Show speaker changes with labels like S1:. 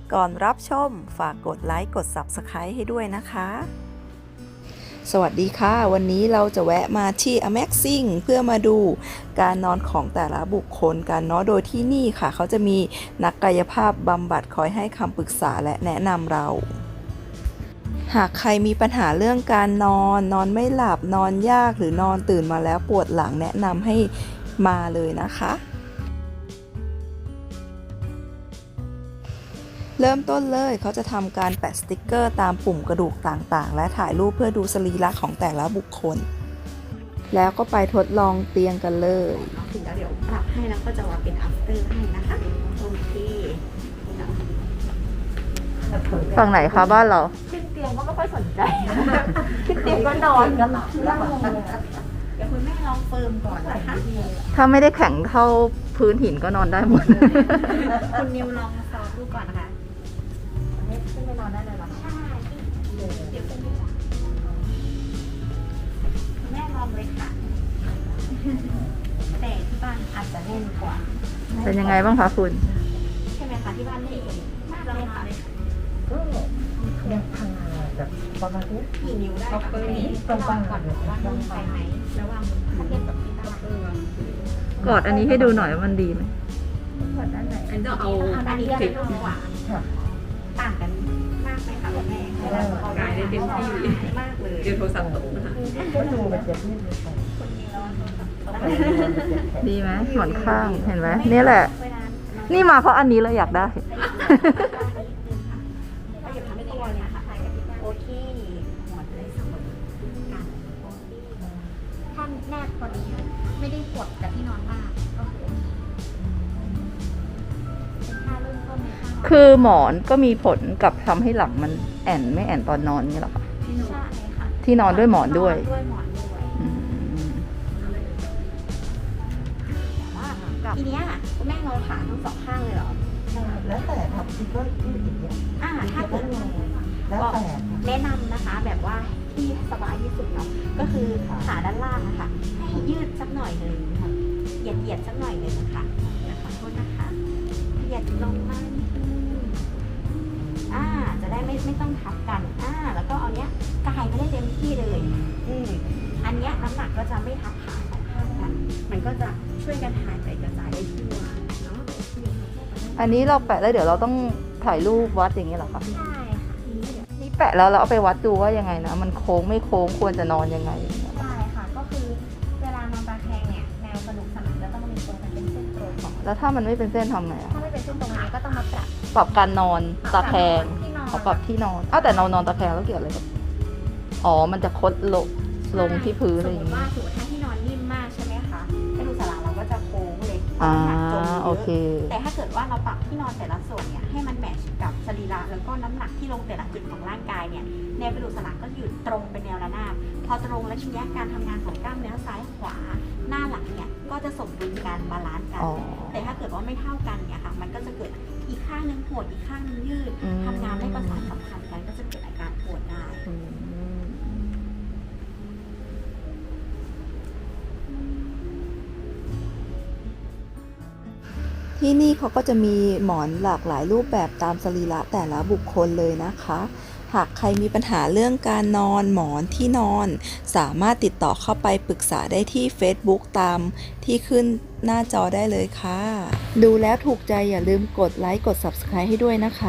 S1: ก่อนรับชมฝากกดไลค์กด Subscribe ให้ด้วยนะคะสวัสดีค่ะวันนี้เราจะแวะมาที่ Amazing เพื่อมาดูการนอนของแต่ละบุคคลกันเนาะโดยที่นี่ค่ะเขาจะมีนักกายภาพบำบัดคอยให้คำปรึกษาและแนะนำเราหากใครมีปัญหาเรื่องการนอนไม่หลับนอนยากหรือนอนตื่นมาแล้วปวดหลังแนะนำให้มาเลยนะคะเริ่มต้นเลยเขาจะทำการแปะสติกเกอร์ตามปุ่มกระดูกต่างๆและถ่ายรูปเพื่อดูสรีระของแต่ละบุคคลแล้วก็ไปทดลองเตียงกันเลย
S2: ถึงแล้วเดี๋ยวปรับให้แล้วก็จะว่าเป็น after ให้นะคะโอเค
S1: ฝั่งไหนคะบ้านเรา
S2: ขึ้นเตียงก็ไม่ค่อยสนใจขึ้นเตียงก็นอนกันหลับเดี๋ยวคุณแม่ลองเฟิร์มก่อนนะคะ
S1: ถ้าไม่ได้แข็งเท่าพื้นหินก็นอนได้หมด
S2: คุณนิวลองซ้อมดูก่อนนะคะขึ้นไปนอนได้เลยหรอใช่เดี๋ยวคุณแม่ลองเลยค่ะแต่ที่บ้านอาจจะแน่นกว่า
S1: เป็นยังไงบ้างคะคุณ
S2: ใช่ไหมคะที่บ้านนี่มากเลยค่ะ
S3: ก็ยังทำงานแบบประมาณนี้
S2: กี่นิ้วได้คะ
S3: ตรงกลางก่อน
S2: ว่าต้องไปไหมระหว่างถ้าเทียบกับที่บ้าน
S1: กอดอันนี้ให้ดูหน่อยว่ามันดีไหม
S2: กอดด้านไหนอันจะเอาอันนี้จะนุ่มกว่าต่างกันมากไหมคะคุณแม่
S4: กายได้เต็มที่
S2: มากเลย
S4: เดี๋ยวโทรศัพท์ตกนะคะ
S3: ก็ดูแบบจะยืดเลยค่ะ
S1: ดีไหมหมอนข้างเห็นไหมนี่แหละนี่มาเพราะอันนี้เราอยากได้
S2: โอเคหมดเลยสมบูรณ์กันท่านแนบพอดีไม่ได้ปวดกับที่นอนมากก็คือเป็นท่าเริ่มต้นในท่า
S1: คือหมอนก็มีผลกับทำให้หลังมันแอนไม่แอนตอนนอนนี่หรอคะ
S2: ใช่ค่ะ
S1: ที่นอนด้วยหมอนด้วย
S2: ทีเนี้ยคุณแม่งอขาทั้งสองข้างเลยเหรอ
S3: แล้วแต่ครับที่ก็ยืดอย่างเงี้ย
S2: ถ้าเกิด
S3: แล้วแต่
S2: แนะนำนะคะแบบว่าที่สบายที่สุดเนาะก็คือขาด้านล่างนะคะให้ยืดสักหน่อยหนึ่งเหยียดสักหน่อยหนึ่งค่ะขอโทษนะคะเหยียดลงมาจะได้ไม่ต้องทับกันแล้วก็เอาเนี้ยกายไม่ได้เต็มที่เลยอันเนี้ยน้ำหนักก็จะไม่ทับขาสองข้างกันมันก็จะช่วยกันถ่ายไปกระจายได้ทั่วเนาะ
S1: อันนี้เราแปะแล้วเดี๋ยวเราต้องถ่ายรูปวัดอย่างนี้เหรอคะ
S2: ใช่ค่ะ
S1: นี่แปะแล้วเราเอาไปวัดดูว่ายังไงนะมันโค้งไม่โค้งควรจะนอนยังไง
S2: ใช่ค่ะก็คือเวลานอนตาแคงเนี่ยแนวกระดูกสันหลังจะต้องมีตรงกันเป็นเส้นตรง
S1: แล้วถ้ามันไม่เป็นเส้นทำไง
S2: ถ้าไม่เป็นเส้นตรงนี้ก็ต้องมา
S1: ปรับการนอนตาแคงเขาปรับที่นอนแต่เรานอนตาแคงแล้วเกี่ยวอะไรกับมันจะคดลงที่พื้นอะไรอย่างเงี้ย
S2: สมมติถ้าที่นอนนิ่มมากใช่ไหมคะกระดูกสันหลังเราก็จะโค้งเลย
S1: โอเค
S2: แต่ถ้าเกิดว่าเราปรับที่นอนแต่ละส่วนเนี่ยให้มันแมทช์กับสรีระแล้วก็น้ำหนักที่ลงแต่ละจุดของร่างกายเนี่ยแนวกระดูกสันหลังก็อยู่ตรงเป็นแนวระนาบพอตรงแล้วทีนี้การทำงานของกล้ามเนื้อซ้ายขวาหน้าหลังเนี่ยก็จะสมดุลกันบาลานซ์กันแต่ถ้าเกิดว่าไม่เท่ากันเนี่ยค่ะมันก็จะเกิดอีกข้างนึงปวดอีกข้างนึงยืดทำงานไม่ประสานสัมพันธ์กันก็จะเกิดอาการปวดได้
S1: ที่นี่เขาก็จะมีหมอนหลากหลายรูปแบบตามสรีระแต่ละบุคคลเลยนะคะหากใครมีปัญหาเรื่องการนอนหมอนที่นอนสามารถติดต่อเข้าไปปรึกษาได้ที่ Facebook ตามที่ขึ้นหน้าจอได้เลยค่ะดูแล้วถูกใจอย่าลืมกดไลค์กด Subscribe ให้ด้วยนะคะ